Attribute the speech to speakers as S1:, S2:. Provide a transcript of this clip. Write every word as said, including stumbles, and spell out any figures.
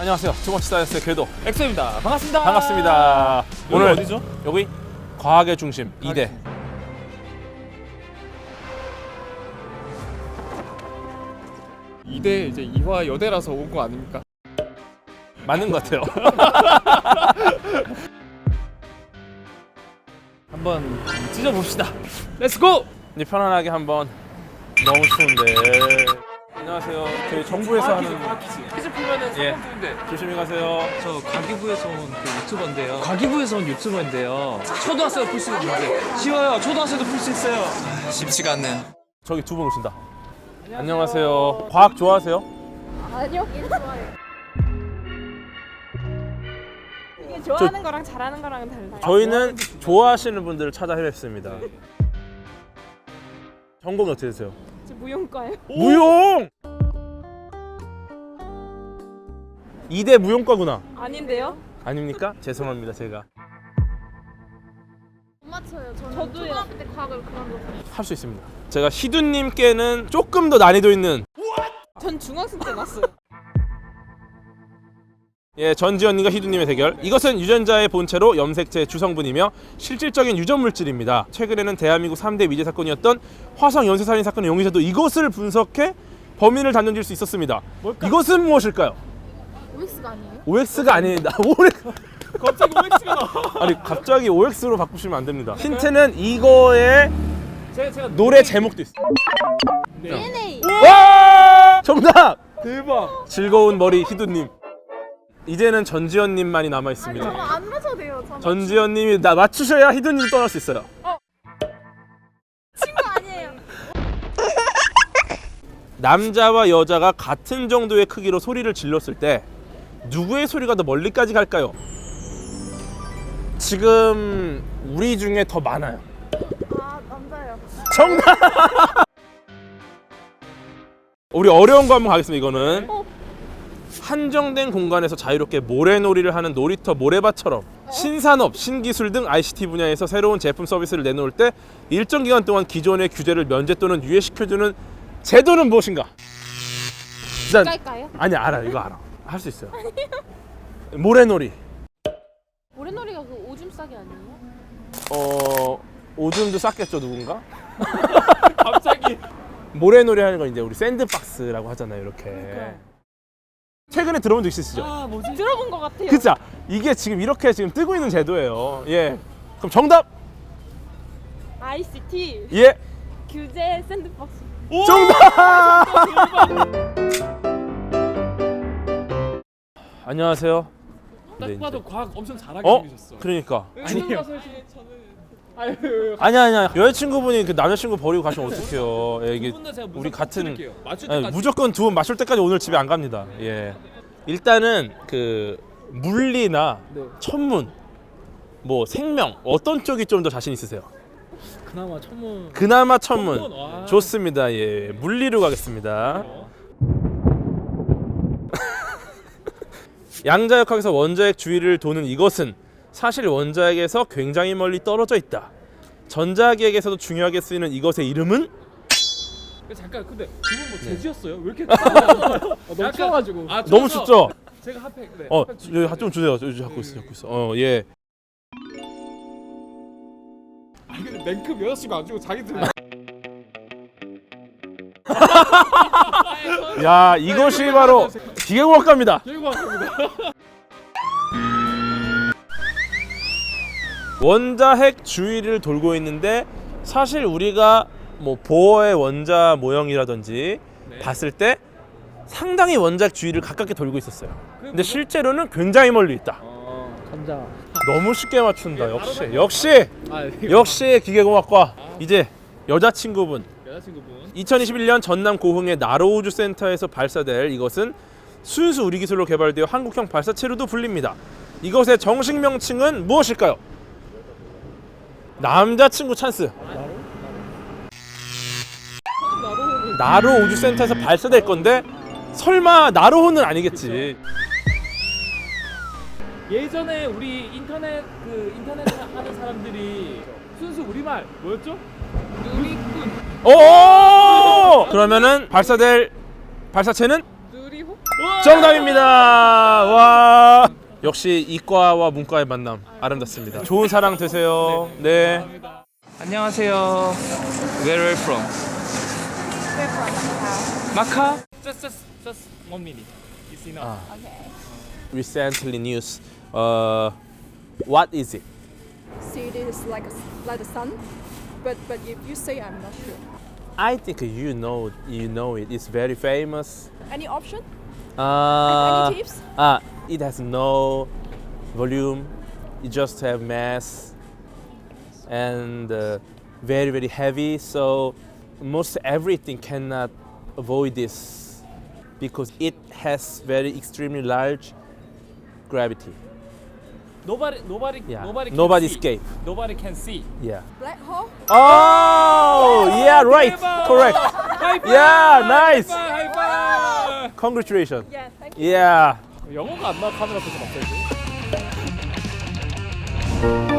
S1: 안녕하세요. 두번째 사이언스의 궤도
S2: 엑소입니다. 반갑습니다.
S1: 반갑습니다.
S2: 여기
S1: 오늘
S2: 어디죠?
S1: 여기 과학의 중심 이 대.
S2: 이 대 이제 이화 여대라서 온 거 아닙니까?
S1: 맞는 것 같아요.
S2: 한번 찢어봅시다. 렛츠고!
S1: 이제 편안하게 한번. 너무 추운데. 안녕하세요. 저희 정부에서 하는
S2: 퀴즈 풀면은
S1: 예.
S2: 상품인데.
S1: 조심히 가세요.
S3: 저 과기부에서 온 그 유튜버인데요. 과기부에서 온 유튜버인데요. 초등학생도 풀 수 있는데 쉬워요. 초등학생도 풀 수 있어요. 쉽지가 않네요.
S1: 저기 두 분 오신다. 안녕하세요. 과학 좋아하세요?
S4: 아니요. 일 좋아요. 이게 좋아하는 거랑 잘하는 거랑은 달라요.
S1: 저희는 좋아하시는 분들을 찾아 헤맸습니다. 전공이 어떻게 되세요?
S4: 저 무용과요.
S1: 무용! 이 대 무용과구나.
S4: 아닌데요?
S1: 아닙니까? 죄송합니다, 제가.
S4: 못 맞춰요. 저는 저도요. 초등학교 때 과학을 그만뒀어요.
S1: 할 수 있습니다. 제가 희두님께는 조금 더 난이도 있는
S4: 전 중학생 때 났어요.
S1: 예, 전지현님과 희두님의 대결. 이것은 유전자의 본체로 염색체의 주성분이며 실질적인 유전 물질입니다. 최근에는 대한민국 삼 대 미제 사건이었던 화성 연쇄살인 사건의 용의자도 이것을 분석해 범인을 단정질 수 있었습니다. 뭘까? 이것은 무엇일까요?
S4: 오엑스가 아니에요?
S1: 오엑스가 아닙니다. 오엑스.
S2: 갑자기 오엑스가 나와.
S1: 아니 갑자기 오엑스로 바꾸시면 안 됩니다. 힌트는 이거의
S2: 제가, 제가
S1: 노래 제목도 있어요.
S4: 디엔에이.
S1: 와! 정답!
S2: 대박.
S1: 즐거운 머리 희두님. 이제는 전지현님만이 남아
S4: 아니
S1: 있습니다.
S4: 저는 안 맞춰도 돼요. 저
S1: 전지현님이 나 맞추셔야 희두님 떠날 수 있어요.
S4: 친구 아니에요.
S1: 남자와 여자가 같은 정도의 크기로 소리를 질렀을 때 누구의 소리가 더 멀리까지 갈까요? 지금 우리 중에 더 많아요.
S4: 아 남자요.
S1: 정답! 우리 어려운 거 한번 가겠습니다. 이거는
S4: 어.
S1: 한정된 공간에서 자유롭게 모래놀이를 하는 놀이터 모래밭처럼 신산업, 신기술 등 아이씨티 분야에서 새로운 제품 서비스를 내놓을 때 일정 기간 동안 기존의 규제를 면제 또는 유예시켜주는 제도는 무엇인가? 일단
S4: 깔까요?
S1: 아니 알아. 이거 알아. 할 수 있어요. 모래놀이.
S4: 모래놀이가 그 오줌 싸기 아니에요?
S1: 어 오줌도 쌌겠죠 누군가?
S2: 갑자기.
S1: 모래놀이 하는 건 이제 우리 샌드박스라고 하잖아요. 이렇게.
S4: 그러니까.
S1: 최근에 들어본 적 있으시죠?
S2: 아 뭐지?
S4: 들어본 것 같아요.
S1: 그죠? 이게 지금 이렇게 지금 뜨고 있는 제도예요. 예. 그럼 정답.
S4: 아이씨티
S1: 예.
S4: 규제 샌드박스.
S1: 정답. 안녕하세요.
S2: 딱
S1: 네,
S2: 봐도
S1: 이제.
S2: 과학 엄청 잘하게
S1: 어?
S2: 생기셨어.
S1: 그러니까.
S2: 아니에요. 아유.
S1: 아니야 아니야. 여자친구분이 그 남자친구 버리고 가시면 어떡해요. 예, 이게
S2: 두분다 제가
S1: 우리 같은
S2: 드릴게요. 맞출
S1: 아니,
S2: 때까지.
S1: 무조건 두 분 맞출 때까지 오늘 집에 안 갑니다. 예. 일단은 그 물리나
S2: 네.
S1: 천문, 뭐 생명 어떤 쪽이 좀 더 자신 있으세요?
S2: 그나마 천문.
S1: 그나마 천문.
S2: 천문, 와.
S1: 좋습니다. 예. 물리로 가겠습니다.
S2: 어.
S1: 양자역학에서 원자핵 주위를 도는 이것은 사실 원자핵에서 굉장히 멀리 떨어져 있다. 전자기핵에서도 중요하게 쓰이는 이것의 이름은?
S2: 잠깐 근데 두분 뭐 제지였어요? 왜 이렇게?
S1: 네.
S2: 아, 너무 추워가지고. 아,
S1: 너무
S2: 추워서
S1: 춥죠?
S2: 제가 핫팩. 네.
S1: 어,
S2: 핫팩
S1: 여기 핫좀 주세요. 여기 잡고 있어, 잡고 있어. 어, 예.
S2: 아니 근데 맨급 여자친구 안 주고 자기들.
S1: 야, 이것이 바로 기계공학과입니다.
S2: 결과 같습니다.
S1: 원자핵 주위를 돌고 있는데 사실 우리가 뭐 보어의 원자 모형이라든지
S2: 네.
S1: 봤을 때 상당히 원자핵 주위를 가깝게 돌고 있었어요. 근데 실제로는 굉장히 멀리 있다.
S2: 어, 감자.
S1: 너무 쉽게 맞춘다.
S2: 예,
S1: 역시
S2: 바로
S1: 역시
S2: 아,
S1: 역시 기계공학과. 이제 여자친구분.
S2: 여자친구분.
S1: 이천이십일 년 전남 고흥의 나로우주 센터에서 발사될 이것은 순수 우리 기술로 개발되어 한국형 발사체로도 불립니다. 이것의 정식 명칭은 무엇일까요? 남자친구 찬스. 나로 우주 센터에서 발사될 건데 설마 나로호는 아니겠지.
S2: 예전에 우리 인터넷 그 인터넷 하는 사람들이 순수 우리말 뭐였죠? 누리꾼.
S1: 오! 그러면은 발사될 발사체는?
S4: 누리호?
S1: 정답입니다. 와. 역시 이과와 문과의 만남 아름답습니다. 좋은 사랑 되세요. 네.
S3: 안녕하세요. Where are you from?
S4: We're from
S3: 마카?
S2: Just just just one minute. It's enough.
S1: 아.
S4: Okay.
S1: Recently news. Uh, what is it?
S5: See, it is like a, like the sun, but but if you say, I'm not sure.
S1: I think you know you know it. It's very famous.
S5: Any option?
S1: Uh,
S5: Any tips?
S1: uh, it has no volume. It just have mass and uh, very very heavy. So most everything cannot avoid this because it has very extremely large gravity.
S2: Nobody nobody
S1: Yeah.
S2: nobody can
S1: Nobody
S2: see.
S1: escape.
S2: Nobody can see.
S1: Yeah.
S5: Black hole?
S1: Oh, yeah, right. Correct.
S2: High five!
S1: Yeah, nice.
S2: High five! High five!
S1: Congratulations.
S5: Yeah, thank you.
S1: Yeah.
S2: 영어가 안 나와 카메라 앞에서 갑자기.